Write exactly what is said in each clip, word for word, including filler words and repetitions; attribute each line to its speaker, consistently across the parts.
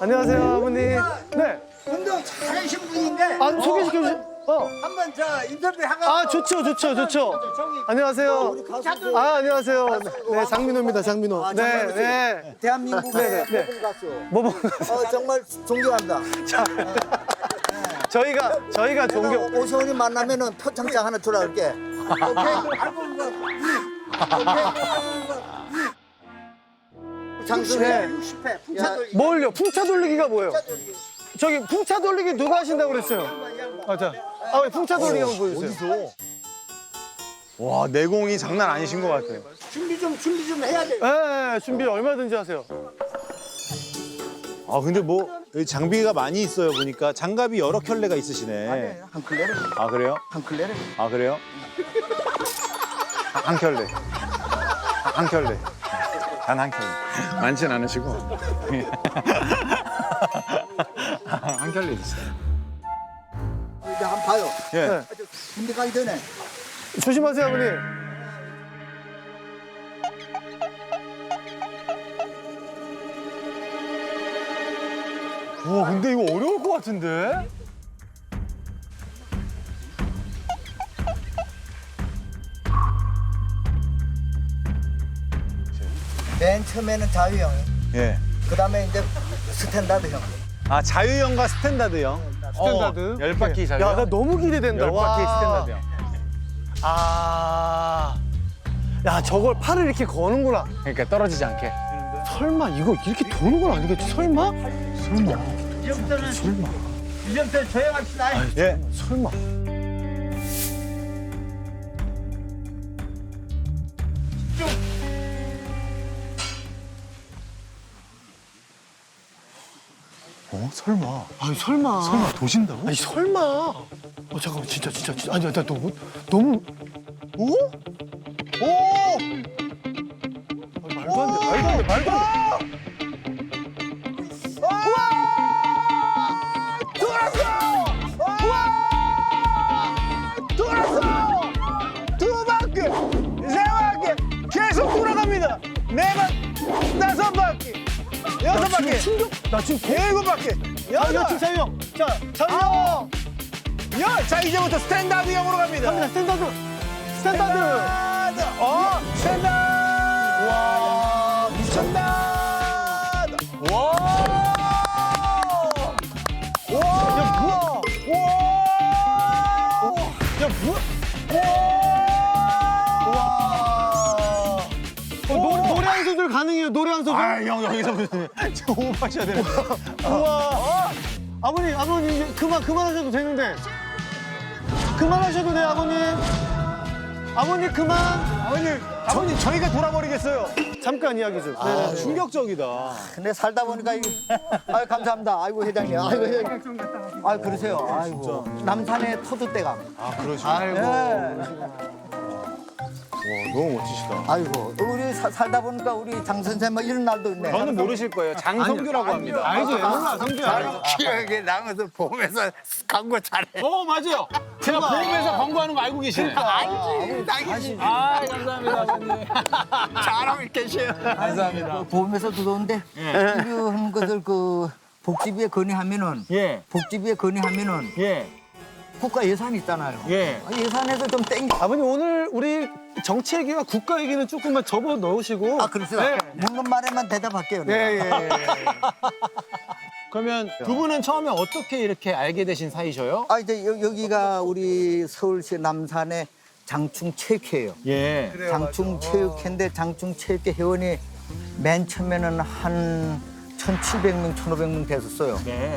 Speaker 1: 안녕하세요, 아버님. 네.
Speaker 2: 운동 잘하신 분인데.
Speaker 1: 아, 소개시켜 주시. 어.
Speaker 2: 한번 저 인터뷰 하고.
Speaker 1: 아, 좋죠, 좋죠, 좋죠. 안녕하세요. 아, 안녕하세요. 네, 장민호입니다, 장민호. 네, 네.
Speaker 2: 대한민국의
Speaker 1: 네, 네.
Speaker 2: 모범 가수.
Speaker 1: 뭐, 뭐.
Speaker 2: 어, 정말 존경합니다.
Speaker 1: 저희가, 저희가
Speaker 2: 내가
Speaker 1: 존경.
Speaker 2: 오세훈이 만나면은 표창장 하나 주라 그럴게. 오케이. 장수해 육십 회 풍차 돌리기.
Speaker 1: 뭘요? 풍차 돌리기가 뭐예요? 저기 풍차 돌리기 누가 하신다고 그랬어요? 아, 자. 아, 왜 풍차 돌리기 한번 보여주세요.
Speaker 3: 어디서? 와, 내공이 장난 아니신 것 같아요.
Speaker 2: 준비 좀 준비 좀 해야 돼.
Speaker 1: 네, 준비 얼마든지 하세요.
Speaker 3: 아, 근데 뭐 여기 장비가 많이 있어요, 보니까. 장갑이 여러 켤레가 있으시네.
Speaker 2: 네, 한 클레를
Speaker 3: 아, 그래요?
Speaker 2: 한 클레를.
Speaker 3: 아, 그래요? 한 켤레. 한 켤레. 단 한 켤레. 많진 않으시고. 한 켤레 있어요.
Speaker 2: 이제 한번 봐요.
Speaker 3: 예.
Speaker 1: 네.
Speaker 2: 군대 가기 전에.
Speaker 1: 조심하세요, 아버님.
Speaker 3: 와, 근데 이거 어려울 것 같은데?
Speaker 2: 맨 처음에는 자유형.
Speaker 3: 예.
Speaker 2: 그다음에 이제 스탠다드형.
Speaker 3: 아, 자유형과 스탠다드형.
Speaker 1: 스탠다드.
Speaker 3: 어, 열 바퀴 자유.
Speaker 1: 야, 나 너무 기대된다.
Speaker 3: 열 바퀴
Speaker 1: 와.
Speaker 3: 스탠다드형.
Speaker 1: 아. 야, 저걸 팔을 이렇게 거는구나.
Speaker 3: 그러니까 떨어지지 않게.
Speaker 1: 설마 이거 이렇게 도는 건 아니겠지? 설마? 설마.
Speaker 2: 이제부터는
Speaker 1: 설마.
Speaker 2: 이제부터 조용합시다.
Speaker 3: 예.
Speaker 1: 설마.
Speaker 3: 어, 설마.
Speaker 1: 아니, 설마.
Speaker 3: 설마 도신다고?
Speaker 1: 아니, 설마. 어, 잠깐만, 진짜, 진짜, 진짜. 아니, 나 너무, 너무.
Speaker 3: 오? 오!
Speaker 1: 아니, 말도 안 돼, 말도 안 돼, 말도 안 돼.
Speaker 3: 두 바퀴, 세 바퀴 계속 돌아갑니다. 네 바퀴, 다섯 바퀴, 여섯
Speaker 1: 나 지금
Speaker 3: 바퀴,
Speaker 1: 충격. 나 지금 개.
Speaker 3: 일곱 바퀴,
Speaker 1: 아,
Speaker 3: 여덟.
Speaker 1: 여친 자유형. 자, 자유형.
Speaker 3: 아홉, 열. 자, 이제부터 스탠다드형으로 갑니다.
Speaker 1: 갑니다, 스탠다드. 스탠다드.
Speaker 3: 스탠다드. 어, 스탠다드. 와, 미쳤다. 와. 와.
Speaker 1: 야, 뭐야?
Speaker 3: 와.
Speaker 1: 야, 뭐야?
Speaker 3: 와.
Speaker 1: 어, 노, 노래 한 소절 가능해요, 노래 한 소절.
Speaker 3: 아, 형 여기서 무슨 저 호흡하셔야 되는.
Speaker 1: 우와. 아버님, 아버님, 이제 그만, 그만하셔도 되는데. 그만하셔도 돼요, 아버님. 아버님, 그만.
Speaker 3: 아버님, 아버님 저희가 돌아버리겠어요.
Speaker 1: 잠깐 이야기 좀.
Speaker 3: 아,
Speaker 1: 네.
Speaker 3: 충격적이다.
Speaker 2: 근데 살다 보니까 이게 아유 감사합니다. 아이고 회장님. 아이고 회장님. 아유 그러세요. 아이고 남산의 터줏대감.
Speaker 3: 아, 그러시죠.
Speaker 1: 아이고.
Speaker 2: 예.
Speaker 3: 와, 너무 멋지시다.
Speaker 2: 아이고 우리 사- 살다 보니까 우리 장 선생 뭐 이런 날도 있네.
Speaker 3: 저는 모르실 거예요. 장성규라고 합니다.
Speaker 1: 알죠, 몰라, 성규 알죠.
Speaker 2: 기억에 남아서 보면서 광고 잘해.
Speaker 3: 어, 맞아요. 제가 보험회사 광고하는 거 알고 계시네.
Speaker 2: 알지. 당연히
Speaker 3: 아, 감사합니다, 아버님.
Speaker 2: 잘하고 계셔요.
Speaker 3: 감사합니다.
Speaker 2: 보험에서 들어오는데 이런 것을 그 복지부에 건의하면은
Speaker 3: 예,
Speaker 2: 복지부에 건의하면은
Speaker 3: 예,
Speaker 2: 국가 예산이 있잖아요.
Speaker 3: 예.
Speaker 2: 아, 예산에서 좀 땡겨.
Speaker 1: 아버님, 오늘 우리 정치 얘기와 국가 얘기는 조금만 접어 넣으시고.
Speaker 2: 아 그러세요.
Speaker 1: 네.
Speaker 2: 묻는 말에만 대답할게요.
Speaker 1: 예,
Speaker 2: 내가.
Speaker 1: 예, 예.
Speaker 4: 그러면 두 분은 처음에 어떻게 이렇게 알게 되신 사이셔요?
Speaker 2: 아 이제 여, 여기가 우리 서울시 남산의 장충체육회예요.
Speaker 4: 예.
Speaker 2: 장충체육회인데 장충체육회 회원이 맨 처음에는 한 천칠백 명, 천오백 명 됐었어요.
Speaker 4: 네.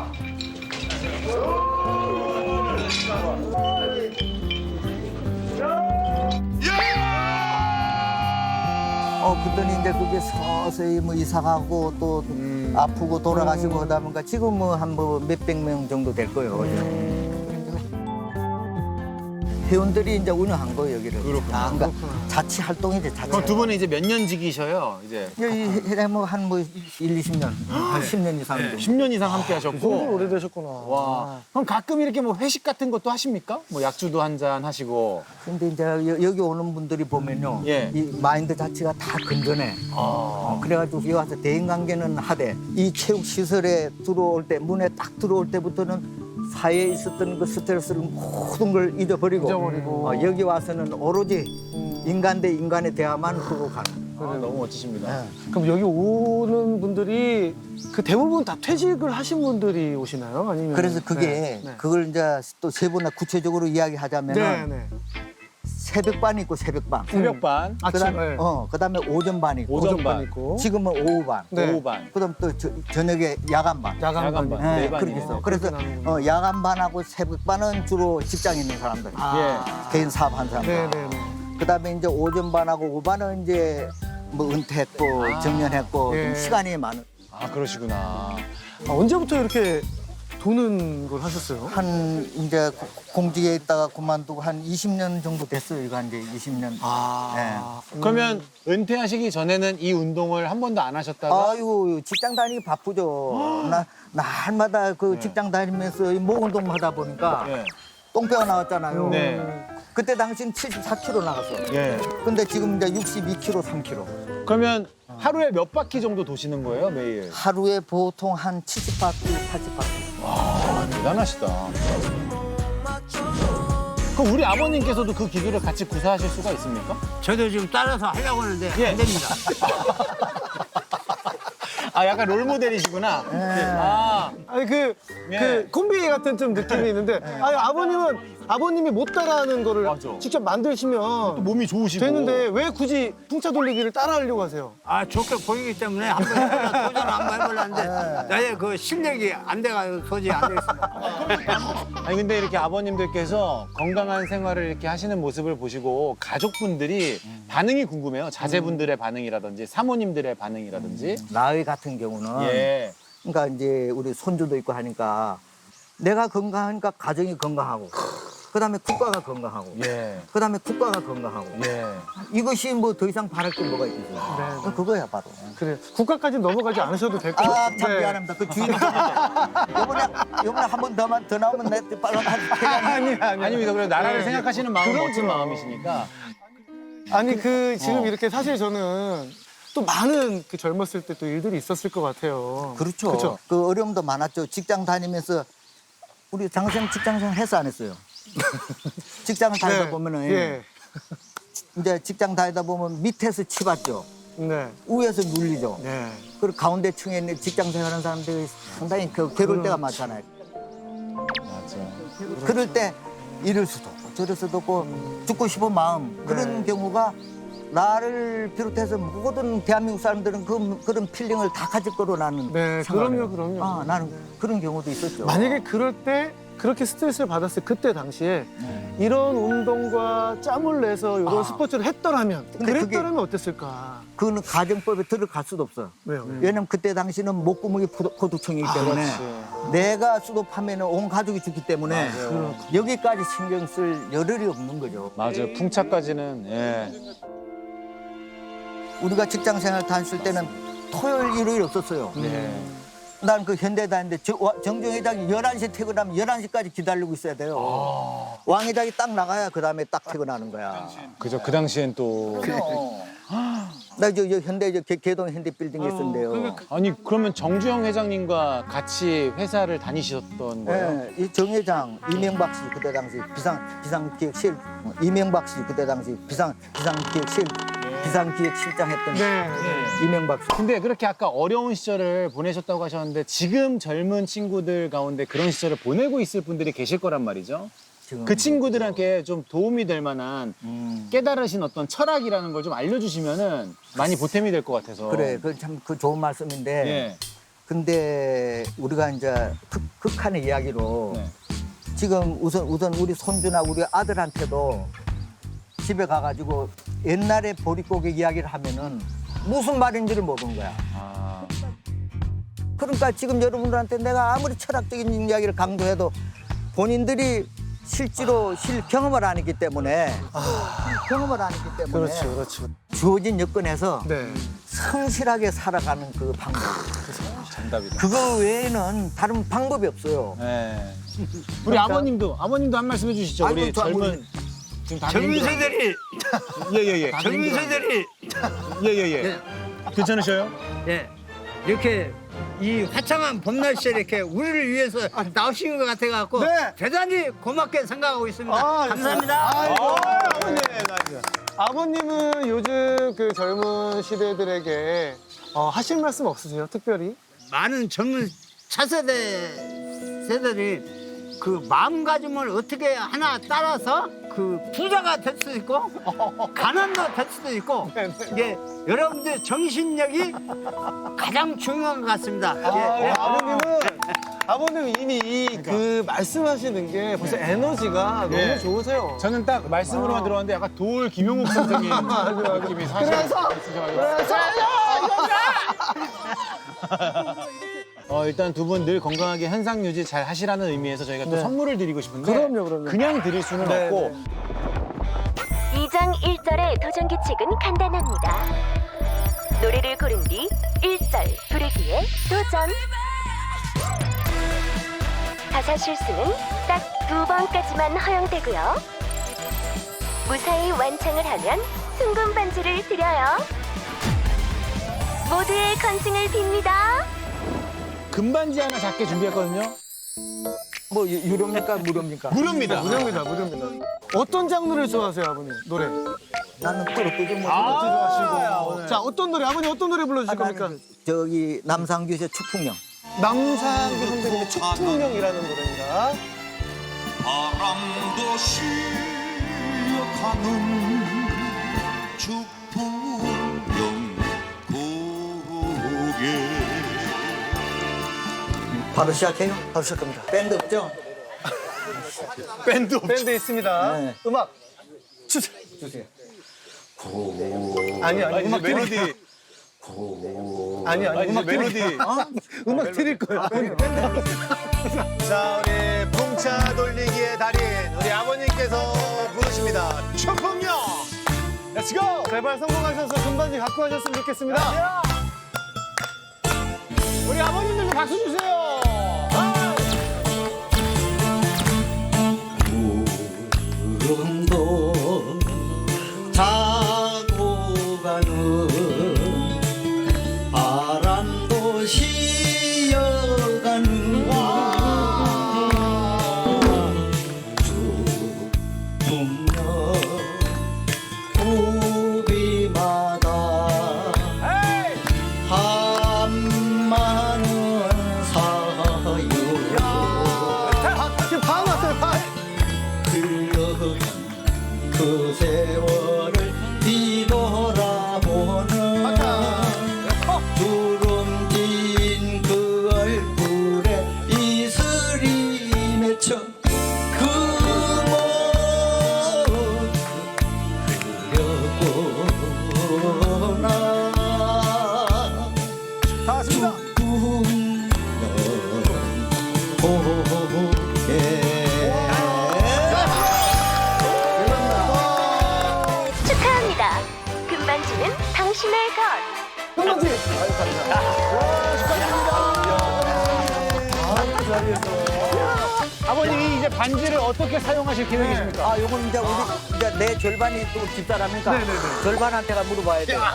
Speaker 2: 어 그러더니 이제 그게 서서히 뭐 이사 가고 또 아프고 돌아가시고 하다 보니까 지금 뭐 한 뭐 몇백 명 정도 될 거예요. 회원들이 이제 운영한 거예요 여기를.
Speaker 4: 그렇구나.
Speaker 2: 아, 그러니까 자치 활동이지 자치.
Speaker 4: 그럼 두 분은 이제 몇 년직이셔요? 이제
Speaker 2: 여기 뭐한뭐 일, 이십 년, 한 십 년 이상 정도.
Speaker 4: 십 년 이상 함께
Speaker 1: 정말
Speaker 4: 하셨고.
Speaker 1: 오래되셨구나.
Speaker 4: 와. 그럼 가끔 이렇게 뭐 회식 같은 것도 하십니까? 뭐 약주도 한 잔 하시고.
Speaker 2: 근데 이제 여- 여기 오는 분들이 보면요,
Speaker 4: 예.
Speaker 2: 이 마인드 자체가 다 건전해. 어, 그래가지고 여기 와서 대인 관계는 하되 이 체육 시설에 들어올 때 문에 딱 들어올 때부터는 사회에 있었던 그 스트레스를 모든 걸 잊어버리고,
Speaker 1: 잊어버리고.
Speaker 2: 어, 여기 와서는 오로지 인간 대 인간의 대화만 하고 가는.
Speaker 4: 아, 너무 멋지십니다.
Speaker 2: 네.
Speaker 1: 그럼 여기 오는 분들이 그 대부분 다 퇴직을 하신 분들이 오시나요? 아니면
Speaker 2: 그래서 그게
Speaker 1: 네, 네.
Speaker 2: 그걸 이제 또 세 분나 구체적으로 이야기하자면은
Speaker 1: 네, 네.
Speaker 2: 새벽반 있고 새벽반.
Speaker 4: 새벽반,
Speaker 1: 아침,
Speaker 2: 그다음
Speaker 1: 네.
Speaker 2: 어 그다음에 오전반 있고
Speaker 4: 오전반,
Speaker 1: 있고.
Speaker 2: 지금은 오후반.
Speaker 1: 네.
Speaker 4: 오후반.
Speaker 2: 그다음 또 저, 저녁에 야간반.
Speaker 1: 야간
Speaker 4: 야간반.
Speaker 1: 반.
Speaker 2: 네,
Speaker 4: 네
Speaker 2: 그렇게
Speaker 4: 반이네요.
Speaker 2: 있어. 그래서
Speaker 1: 그렇게 나누는구나.
Speaker 2: 어, 야간반하고 새벽반은 주로 직장에 있는 사람들.
Speaker 1: 아.
Speaker 2: 개인 사업하는 사람들.
Speaker 1: 네, 네, 네.
Speaker 2: 그다음에 이제 오전반하고 오후반은 이제 뭐 은퇴했고
Speaker 4: 아.
Speaker 2: 정년했고
Speaker 1: 예.
Speaker 2: 좀 시간이 많은.
Speaker 4: 아, 그러시구나.
Speaker 1: 아, 언제부터 이렇게 도는 걸 하셨어요?
Speaker 2: 한 이제 고- 공직에 있다가 그만두고 한 이십 년 정도 됐어요. 이거 한 이제 이십 년.
Speaker 1: 아.
Speaker 4: 그러면 은퇴하시기 전에는 이 운동을 한 번도 안 하셨다가
Speaker 2: 아유 직장 다니기 바쁘죠. 나 날마다 그 직장 다니면서 이 목 운동 하다 보니까
Speaker 4: 네.
Speaker 2: 똥배가 나왔잖아요.
Speaker 4: 네.
Speaker 2: 그때 당시는 칠십사 킬로그램 나갔어.
Speaker 4: 예.
Speaker 2: 근데 지금 이제 육십이 킬로그램, 삼 킬로그램.
Speaker 4: 그러면 하루에 몇 바퀴 정도 도시는 거예요, 매일?
Speaker 2: 하루에 보통 한 칠십 바퀴, 팔십 바퀴.
Speaker 4: 아, 대단하시다. 그럼 우리 아버님께서도 그 기구를 같이 구사하실 수가 있습니까?
Speaker 5: 저도 지금 따라서 하려고 하는데
Speaker 4: 예.
Speaker 5: 안 됩니다.
Speaker 4: 아, 약간 롤 모델이시구나. 아,
Speaker 1: 아니 그,
Speaker 4: 예.
Speaker 1: 그 콤비 같은 좀 느낌이 있는데 아니 아버님은 아버님이 못 따라하는 거를
Speaker 4: 맞아.
Speaker 1: 직접 만드시면
Speaker 4: 몸이 좋으시고.
Speaker 1: 되는데 왜 굳이 풍차 돌리기를 따라하려고 하세요?
Speaker 5: 아 좋게 보이기 때문에 한번 해보려 도전 한번 해보려는데 나의 그 실력이 안 돼가지고 도저히 안 되겠습니다.
Speaker 4: 아니 근데 이렇게 아버님들께서 건강한 생활을 이렇게 하시는 모습을 보시고 가족분들이 반응이 궁금해요. 자제분들의 반응이라든지 사모님들의 반응이라든지.
Speaker 2: 나의 같은 경우는
Speaker 4: 예.
Speaker 2: 그러니까 이제 우리 손주도 있고 하니까 내가 건강하니까 가정이 건강하고 그다음에 국가가 건강하고
Speaker 4: 예.
Speaker 2: 그다음에 국가가 건강하고
Speaker 4: 예.
Speaker 2: 이것이 뭐 더 이상 바랄 게 뭐가 있겠어요.
Speaker 1: 네.
Speaker 2: 그거야 바로.
Speaker 1: 그래 국가까지 넘어가지 않으셔도 될 것
Speaker 2: 아,
Speaker 1: 같아요.
Speaker 2: 참 미안합니다. 그 주인 이번에 이번에 한 번 더만 더 나오면 내 빨라
Speaker 1: 아니 아니
Speaker 4: 아닙니다. 그래 나라를
Speaker 1: 네.
Speaker 4: 생각하시는 마음은
Speaker 1: 그럼,
Speaker 4: 멋진
Speaker 1: 그럼.
Speaker 4: 마음이시니까.
Speaker 1: 아니 그 지금
Speaker 4: 어.
Speaker 1: 이렇게 사실 저는 또 많은 그 젊었을 때 또 일들이 있었을 것 같아요.
Speaker 2: 그렇죠.
Speaker 1: 그렇죠.
Speaker 2: 그 어려움도 많았죠. 직장 다니면서 우리 장생 직장생 했어 안 했어요? 직장을 다니다
Speaker 1: 네.
Speaker 2: 보면은
Speaker 1: 예.
Speaker 2: 이제 직장 다니다 보면 밑에서 치받죠.
Speaker 1: 네.
Speaker 2: 위에서 눌리죠.
Speaker 1: 네.
Speaker 2: 그리고 가운데 층에 있는 직장 생활하는 사람들이 상당히 그 괴로울 때가 많잖아요.
Speaker 4: 맞아.
Speaker 2: 그럴 때 이럴 수도 없고 저럴 수도 없고 죽고 싶은 마음 그런
Speaker 1: 네.
Speaker 2: 경우가 나를 비롯해서 모든 대한민국 사람들은 그, 그런 필링을 다 가질 거로 나는
Speaker 1: 네,
Speaker 2: 생각을
Speaker 1: 그럼요,
Speaker 2: 해요.
Speaker 1: 그럼요.
Speaker 2: 아, 나는 그런 경우도 있었죠.
Speaker 1: 만약에 그럴 때 그렇게 스트레스를 받았을 그때 당시에 이런 운동과 짬을 내서 이런
Speaker 2: 아.
Speaker 1: 스포츠를 했더라면
Speaker 2: 근데
Speaker 1: 그랬더라면 어땠을까?
Speaker 2: 그거는 가정법에 들어갈 수도 없어.
Speaker 1: 왜요?
Speaker 2: 왜냐면 그때 당시는 목구멍이 포도- 포도청이기 때문에 내가 수도하면 온 가족이 죽기 때문에 여기까지 신경 쓸 여력이 없는 거죠.
Speaker 4: 맞아요. 풍차까지는 예.
Speaker 2: 우리가 직장 생활 다녔을 때는 토요일, 일요일 없었어요.
Speaker 4: 네.
Speaker 2: 난 그 현대 다녔는데 저- 와- 정종 회장이 열한 시에 퇴근하면 열한 시까지 기다리고 있어야 돼요. 왕 회장이 딱 나가야 그 다음에 딱 퇴근하는 거야.
Speaker 4: 그죠. 그 당시엔 또
Speaker 2: 나 저 현대 저 개- 개동 현대 빌딩에 있었는데요.
Speaker 4: 아니 그러면 정주영 회장님과 같이 회사를 다니셨던 거예요?
Speaker 2: 예, 이정 회장 이명박 씨 그때 당시 비상 비상기획실 이명박 씨 그때 당시 비상 비상기획실 비상기획실장 했던
Speaker 1: 네.
Speaker 2: 이명박 씨.
Speaker 4: 근데 그렇게 아까 어려운 시절을 보내셨다고 하셨는데 지금 젊은 친구들 가운데 그런 시절을 보내고 있을 분들이 계실 거란 말이죠.
Speaker 2: 지금
Speaker 4: 그 친구들한테 좀 도움이 될 만한
Speaker 2: 음.
Speaker 4: 깨달으신 어떤 철학이라는 걸 좀 알려주시면은 많이 보탬이 될 것 같아서.
Speaker 2: 그래, 그 참 그 좋은 말씀인데.
Speaker 4: 예.
Speaker 2: 근데 우리가 이제 극, 극한의 이야기로
Speaker 4: 네.
Speaker 2: 지금 우선 우선 우리 손주나 우리 아들한테도 집에 가가지고 옛날에 보릿고개 이야기를 하면은 무슨 말인지를 모르는 거야.
Speaker 4: 아,
Speaker 2: 그러니까 지금 여러분들한테 내가 아무리 철학적인 이야기를 강조해도 본인들이 실제로 실 경험을 안 했기 때문에 경험을 안 했기 때문에
Speaker 1: 그렇죠, 그렇죠.
Speaker 2: 주어진 여건에서
Speaker 1: 네.
Speaker 2: 성실하게 살아가는 그 방법.
Speaker 4: 정답이다.
Speaker 2: 그거 외에는 다른 방법이 없어요.
Speaker 4: 네. 우리 아버님도 아버님도 한 말씀 해주시죠. 우리
Speaker 2: 아이고, 저
Speaker 4: 젊은
Speaker 2: 아버님.
Speaker 4: 지금 다들
Speaker 5: 젊은
Speaker 4: 힘들어.
Speaker 5: 세대들이
Speaker 4: 예예예.
Speaker 5: 젊은 세대들이
Speaker 4: 예예예. 괜찮으셔요?
Speaker 5: 예 이렇게 이 화창한 봄 날씨에 이렇게 우리를 위해서 나오신 것 같아 갖고
Speaker 1: 네.
Speaker 5: 대단히 고맙게 생각하고 있습니다.
Speaker 1: 아,
Speaker 5: 감사합니다.
Speaker 1: 아이고, 아버님. 아버님은 요즘 그 젊은 시대들에게 어, 하실 말씀 없으세요? 특별히?
Speaker 5: 많은 젊은 차세대 세대들이 그 마음가짐을 어떻게 하나 따라서 그 부자가 될 수도 있고 가난도 될 수도 있고 이게 여러분들 정신력이 가장 중요한 것 같습니다.
Speaker 1: 아,
Speaker 5: 예.
Speaker 1: 아버님은 아버님 이미 이 그 말씀하시는 게 벌써 에너지가
Speaker 4: 네.
Speaker 1: 너무 좋으세요.
Speaker 4: 저는 딱 말씀으로만 들어왔는데 약간 돌 김용욱 선생님 느낌이 사실
Speaker 1: 그래서
Speaker 4: 있으셔가지고.
Speaker 1: 그래서
Speaker 4: 어, 일단 두 분 늘 건강하게 현상 유지 잘 하시라는 의미에서 저희가 또
Speaker 1: 네.
Speaker 4: 선물을 드리고 싶은데
Speaker 1: 그럼요, 그럼요.
Speaker 4: 그냥 드릴 수는
Speaker 1: 네,
Speaker 4: 없고
Speaker 6: 이 장 일 절의 도전 규칙은 간단합니다. 노래를 고른 뒤 일 절 부르기에 도전. 가사 실수는 딱 두 번까지만 허용되고요. 무사히 완창을 하면 순금 반지를 드려요. 모두의 건승을 빕니다.
Speaker 4: 금반지 하나 작게 준비했거든요.
Speaker 2: 뭐 유- 유료입니까 무료입니까?
Speaker 4: 무료입니다.
Speaker 1: 무료입니다, 무료입니다. 어떤 장르를 좋아하세요, 아버님? 노래?
Speaker 2: 나는 그렇게 뭐
Speaker 1: 아, 좋아하시고. 자, 어떤 노래? 아버님 어떤 노래 불러주실 겁니까?
Speaker 2: 저기 남상규의 축풍령.
Speaker 1: 남상규 선배님의 축풍령이라는 노래입니다.
Speaker 7: 바람도 쉬어가는 축풍령 고개
Speaker 2: 바로 시작해요.
Speaker 1: 바로 시작합니다.
Speaker 2: 밴드 없죠?
Speaker 4: 밴드
Speaker 1: 밴드 있습니다.
Speaker 2: 네.
Speaker 1: 음악 주세요.
Speaker 2: 주세요.
Speaker 1: 아니, 아니, 음악 드릴
Speaker 4: 멜로디
Speaker 1: 아니, 아니,
Speaker 4: 아니,
Speaker 1: 음악
Speaker 4: 이제 멜로디.
Speaker 1: 드릴 어? 음악 드릴 거예요.
Speaker 4: 자, 우리 풍차 돌리기의 달인 우리 아버님께서 부르십니다. 축풍령. Let's go.
Speaker 1: 제발 성공하셔서 금반지 갖고 가셨으면 좋겠습니다.
Speaker 4: 우리 아버님들도 박수 주세요.
Speaker 2: 구름도 자고 가는 바람도 쉬어가는 축풍령 우비마다 한마는 사유
Speaker 1: 지금 반 왔어요, 반.
Speaker 2: 흘러간 그 세월을 뒤돌아보는 주름진 그 얼굴에 이슬이 맺혀 그 모습 그려보나
Speaker 1: 다 왔습니다.
Speaker 6: 축하합니다. 금반지는 당신의 것.
Speaker 1: 금반지.
Speaker 4: 아버님이 이제 반지를 어떻게 사용하실 계획이십니까?
Speaker 2: 아, 요건 이제 우리 이제 내 절반이 또 집사람이니까 절반한테가 물어봐야 돼.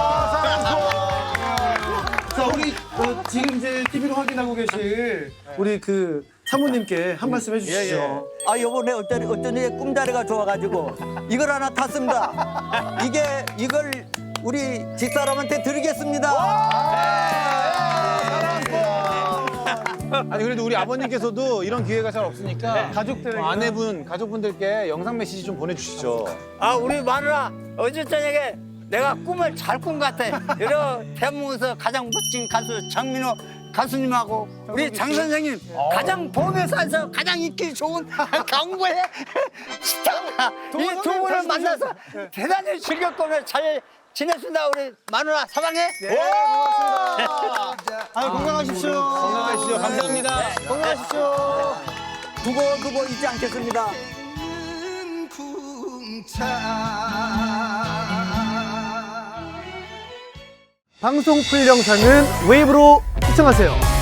Speaker 1: 자, 우리 어, 지금 이제 티비로 확인하고 계실 우리 그 사모님께 한 말씀 해주시죠.
Speaker 2: 아, 요번에 어쩐 어쩐지 꿈자리가 좋아가지고 이걸 하나 탔습니다. 이게 이걸 우리 집사람한테 드리겠습니다.
Speaker 4: 아니 그래도 우리 아버님께서도 이런 기회가 잘 없으니까
Speaker 1: 가족들에게
Speaker 4: 어, 아내분, 가족분들께 영상 메시지 좀 보내주시죠.
Speaker 5: 아 우리 마누라 어제 저녁에 내가 꿈을 잘 꾼 것 같아. 여러 대한민국에서 가장 멋진 가수 장민호 가수님하고 우리 장 선생님 가장 봄에서 가장 인기 좋은 강구의 스타가 이 두 분을 만나서 대단히 즐겁고 잘 지냈습니다. 우리 마누라 사랑해.
Speaker 1: 네, 고맙습니다. 아, 건강하십시오.
Speaker 4: 건강하시죠. 감사합니다.
Speaker 1: 건강하십시오.
Speaker 2: 두고두고 잊지 않겠습니다.
Speaker 1: 방송 풀 영상은 웨이브로 시청하세요.